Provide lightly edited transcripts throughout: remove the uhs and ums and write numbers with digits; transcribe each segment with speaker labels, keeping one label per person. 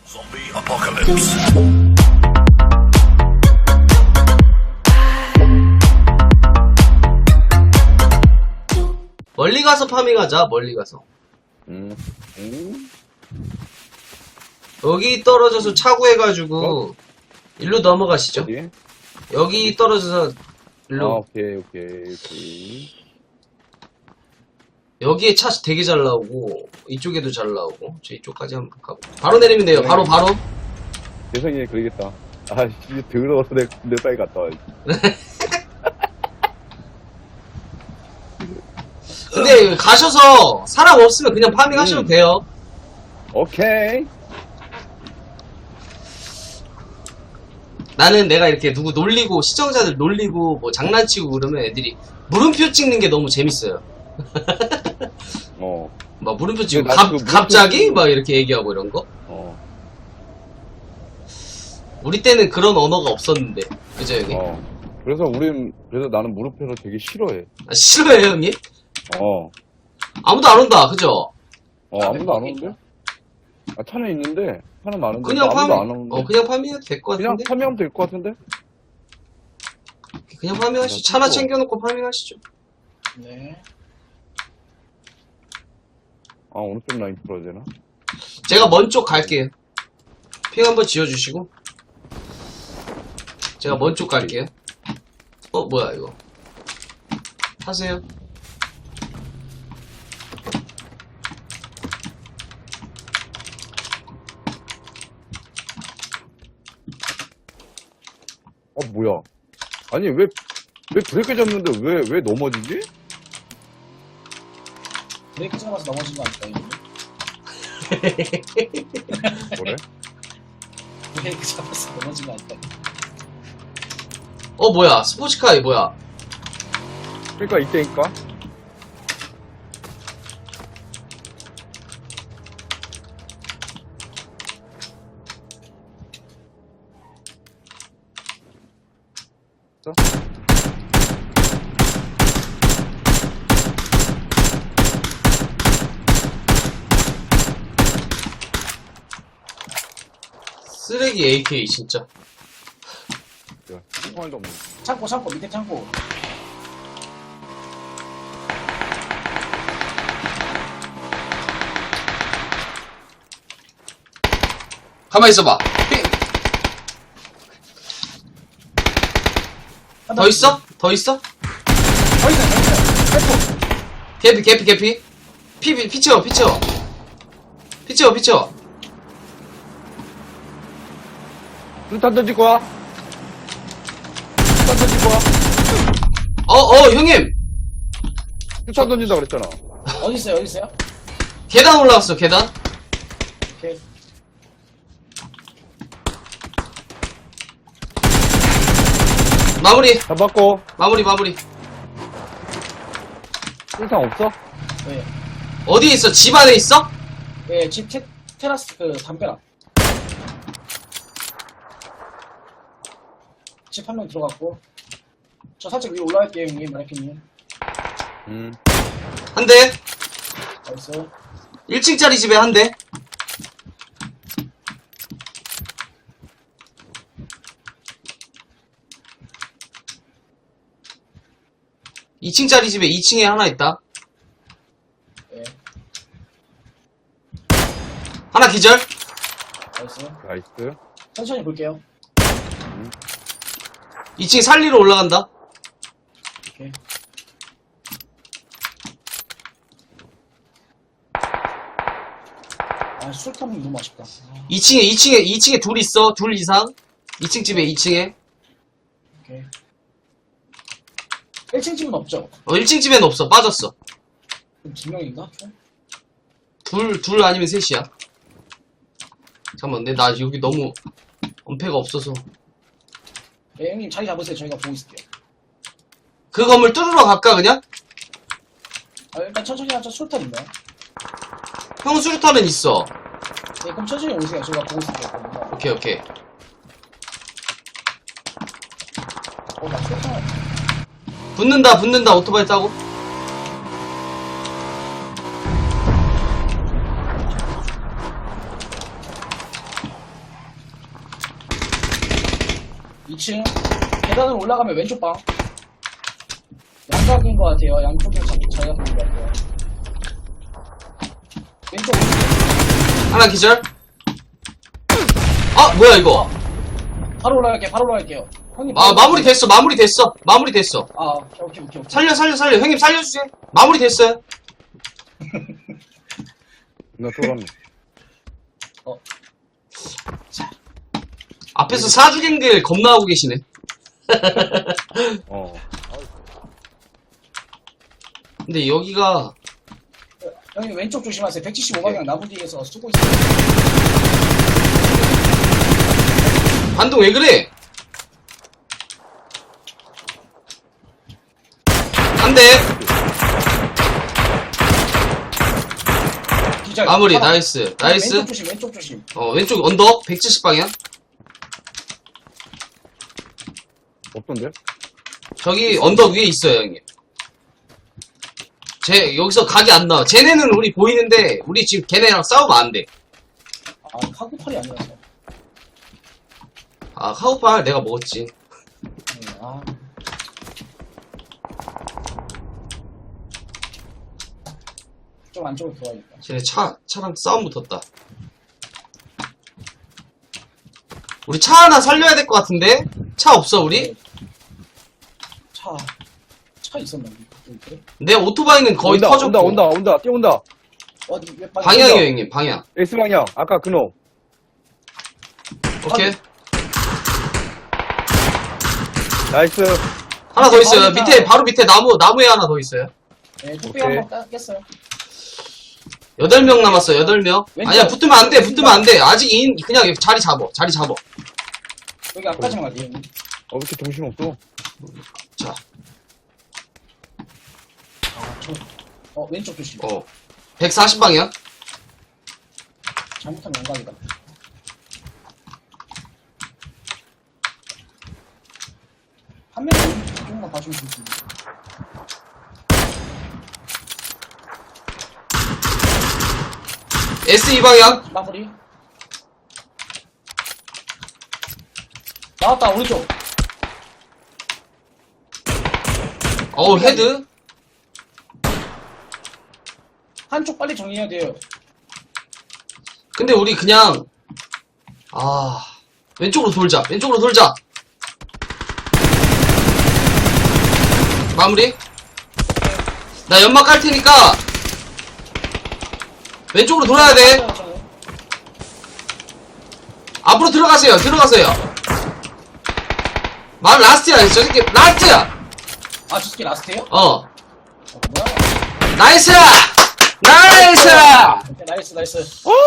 Speaker 1: Zombie apocalypse.
Speaker 2: 멀리 가서 파밍하자. 멀리 가서. 여기 떨어져서 차구해가지고 일로 넘어가시죠.
Speaker 3: 어디?
Speaker 2: 여기 떨어져서 일로.
Speaker 3: 오케이.
Speaker 2: 여기에 차 되게 잘 나오고 이쪽에도 잘 나오고 저 이쪽까지 한번 가볼게요. 바로 내리면 돼요. 바로.
Speaker 3: 대성이 그러겠다. 아, 씨, 더러워서 내 빨리 갔다 와야지.
Speaker 2: 근데 가셔서 사람 없으면 그냥 파밍하셔도 돼요.
Speaker 3: 오케이.
Speaker 2: 나는 내가 이렇게 누구 놀리고 시청자들 놀리고 뭐 장난치고 그러면 애들이 물음표 찍는 게 너무 재밌어요. 막 물음표 찍고
Speaker 3: 근데 나도 그
Speaker 2: 갑자기 막 이렇게 얘기하고 이런 거. 우리 때는 그런 언어가 없었는데, 그죠 형님?
Speaker 3: 그래서 나는 물음표를 되게 싫어해.
Speaker 2: 아, 싫어해요 형님? 아무도 안 온다, 그죠?
Speaker 3: 아무도 안 오는데? 아, 차는 있는데, 차는 많은데,
Speaker 2: 그냥
Speaker 3: 아무도 안 오는데.
Speaker 2: 그냥 파밍해도 될 것
Speaker 3: 그냥
Speaker 2: 같은데?
Speaker 3: 파밍하면 될 것 같은데?
Speaker 2: 그냥 파밍하시죠. 차나 챙겨놓고 파밍하시죠.
Speaker 4: 네.
Speaker 3: 아, 오른쪽 라인 풀어야 되나?
Speaker 2: 제가 먼 쪽 갈게요. 핑 한번 지어주시고. 제가 먼 쪽 갈게요. 뭐야 이거. 타세요.
Speaker 3: 뭐야. 아니, 왜 브레이크 잡는데 왜 넘어지지?
Speaker 4: 브레이크 잡아서 넘어진 거 아닐까, 이거?
Speaker 3: 그래?
Speaker 4: 브레이크 잡아서 넘어진 거 아닐까?
Speaker 2: 뭐야. 스포츠카이 뭐야.
Speaker 3: 그러니까 이때니까.
Speaker 2: 쓰레기 AK 진짜.
Speaker 3: 야, 총알도 없네.
Speaker 4: 창고, 밑에 창고.
Speaker 2: 가만히 있어봐. 더 있어? 더 있어?
Speaker 4: 더 있어요.
Speaker 2: 개피. 피 채워.
Speaker 3: 수탄 던질 거야? 수탄 던질 거야?
Speaker 2: 형님!
Speaker 3: 수탄 던진다 그랬잖아.
Speaker 4: 어디 있어요?
Speaker 2: 계단 올라왔어, 계단.
Speaker 4: 오케이.
Speaker 2: 마무리.
Speaker 3: 잡았고.
Speaker 2: 마무리.
Speaker 3: 수탄 없어?
Speaker 4: 네.
Speaker 2: 어디에 있어? 집 안에 있어?
Speaker 4: 네, 집 테라스, 담벼락. 집 한 명 들어갔고. 저 살짝 위로 올라갈게요, 형님, 마네킹님.
Speaker 2: 한 대.
Speaker 4: 나이스.
Speaker 2: 1층짜리 집에 한 대. 이 2층짜리 집에 2층에 하나 있다.
Speaker 4: 네,
Speaker 2: 하나 기절.
Speaker 4: 나이스.
Speaker 3: 나이스.
Speaker 4: 천천히 볼게요.
Speaker 2: 2층 살리러 올라간다.
Speaker 4: 오케이. 술탄 너무 아쉽다.
Speaker 2: 2층에 둘 있어. 둘 이상. 2층 집에 2층에.
Speaker 4: 오케이. 1층 집은 없죠?
Speaker 2: 1층 집에는 없어. 빠졌어.
Speaker 4: 그럼 2명인가? 총?
Speaker 2: 둘 아니면 셋이야. 잠깐만, 근데 나 여기 너무 엄폐가 없어서.
Speaker 4: 네, 형님 자리 잡으세요. 저희가 보고 있을게요.
Speaker 2: 그 건물 뚫으러 갈까, 그냥?
Speaker 4: 일단 천천히 하죠. 술탄 있나요?
Speaker 2: 형 수류탄은 있어.
Speaker 4: 네, 그럼 천천히 오세요. 저희가 보고 있을게요.
Speaker 2: 오케이.
Speaker 4: 나 술탄.
Speaker 2: 붙는다, 오토바이 타고.
Speaker 4: 2층. 계단으로 올라가면 왼쪽 방. 양각인 것 같아요. 양쪽에 자기가 보는 것 같아요. 왼쪽.
Speaker 2: 하나 기절. 아, 뭐야, 이거.
Speaker 4: 바로 올라갈게요. 형님.
Speaker 2: 아, 마무리 됐어.
Speaker 4: 아, 오케이.
Speaker 2: 살려. 형님 살려주세요. 마무리 됐어요.
Speaker 3: 나 쫄았네.
Speaker 2: 앞에서 사주갱들 겁나 하고 계시네.
Speaker 3: 어.
Speaker 2: 근데 여기가,
Speaker 4: 형님 왼쪽 조심하세요. 175방향 나무 뒤에서 쏘고 있어요.
Speaker 2: 반동 왜 그래? 안 돼.
Speaker 4: 기절.
Speaker 2: 마무리,
Speaker 4: 하나.
Speaker 2: 나이스.
Speaker 4: 왼쪽 조심.
Speaker 2: 왼쪽 언덕, 170방향.
Speaker 3: 없던데?
Speaker 2: 저기 언덕 위에 있어요, 형님. 여기서 각이 안 나와. 쟤네는 우리 보이는데, 우리 지금 걔네랑 싸우면 안 돼.
Speaker 4: 아, 카구팔이 아니라서.
Speaker 2: 아, 카우팔 내가 먹었지.
Speaker 4: 아. 좀 안쪽으로 들어가야겠다.
Speaker 2: 쟤네 차랑 싸움 붙었다. 우리 차 하나 살려야 될 것 같은데? 차 없어, 우리?
Speaker 4: 차 있었나? 그래?
Speaker 2: 내 오토바이는 거의 터졌고.
Speaker 3: 온다, 뛰어온다.
Speaker 4: 어디, 몇
Speaker 2: 방향이요, 형님, 방향.
Speaker 3: S방향, 아까 그놈.
Speaker 2: 오케이.
Speaker 3: 나이스.
Speaker 2: 하나 더 있어요.
Speaker 4: 방향.
Speaker 2: 바로 밑에 나무에 하나 더 있어요.
Speaker 4: 네, 뚝배기
Speaker 3: 오케이.
Speaker 4: 한번 깼어요.
Speaker 2: 8명 남았어, 8명.
Speaker 4: 왼쪽.
Speaker 2: 아니야, 붙으면 안 돼. 아직 그냥 자리 잡어.
Speaker 4: 여기 앞까지만 갈게요.
Speaker 3: 왜 이렇게 정신없어?
Speaker 2: 자,
Speaker 4: 왼쪽 조심.
Speaker 2: 140방향.
Speaker 4: 잘못하면 양각이다. 한 명은 조금만 봐주면 좋겠는데.
Speaker 2: S2방향.
Speaker 4: 마무리. 나왔다, 오른쪽.
Speaker 2: 헤드.
Speaker 4: 한쪽 빨리 정리해야 돼요.
Speaker 2: 근데 우리 그냥, 왼쪽으로 돌자. 마무리. 나 연막 깔 테니까, 왼쪽으로 돌아야 돼. 앞으로 들어가세요. 라스트야. 저 새끼, 라스트야!
Speaker 4: 아, 저 새끼 라스트예요?
Speaker 2: 어.
Speaker 4: 뭐야?
Speaker 2: 나이스!
Speaker 4: 오케이, 나이스.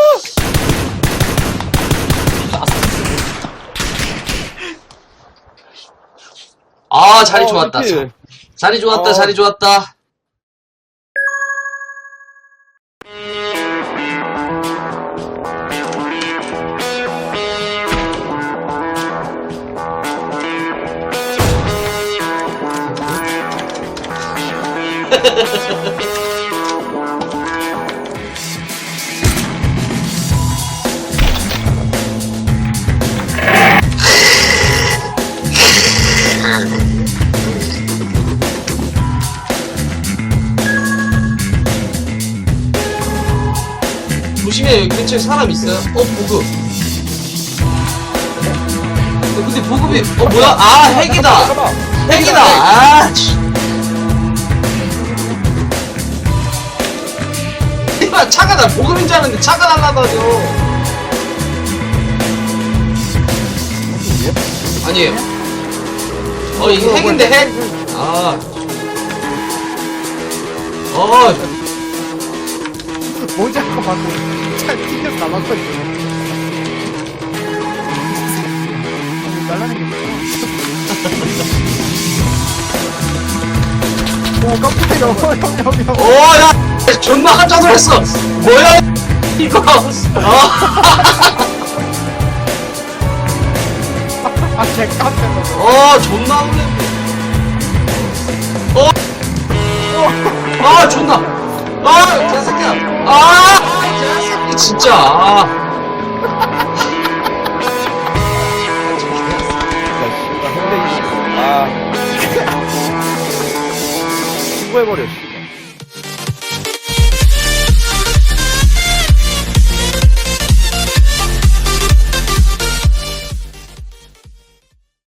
Speaker 2: 자리 좋았다.
Speaker 3: 그치?
Speaker 2: 자리 좋았다. 조심해, 여기 근처에 사람 있어요. 보급. 근데 보급이, 뭐야? 핵이다. 핵이다. 차가 나 보급인 줄 알았는데 차가 날라다녀. 아니에요. 이게 핵인데 핵?
Speaker 1: 모자가 받고 잘 튕겨서 나갔거든. 날라는 게 뭐야? 오, 깜짝이야. 형.
Speaker 2: 야! 존나 깜짝 놀랐어! 뭐야, 이거!
Speaker 1: 개 깜짝 놀랐어.
Speaker 2: 존나 놀랐네. 존나! 개새끼야! 개새끼, 진짜!
Speaker 3: 수거해버려, 씨.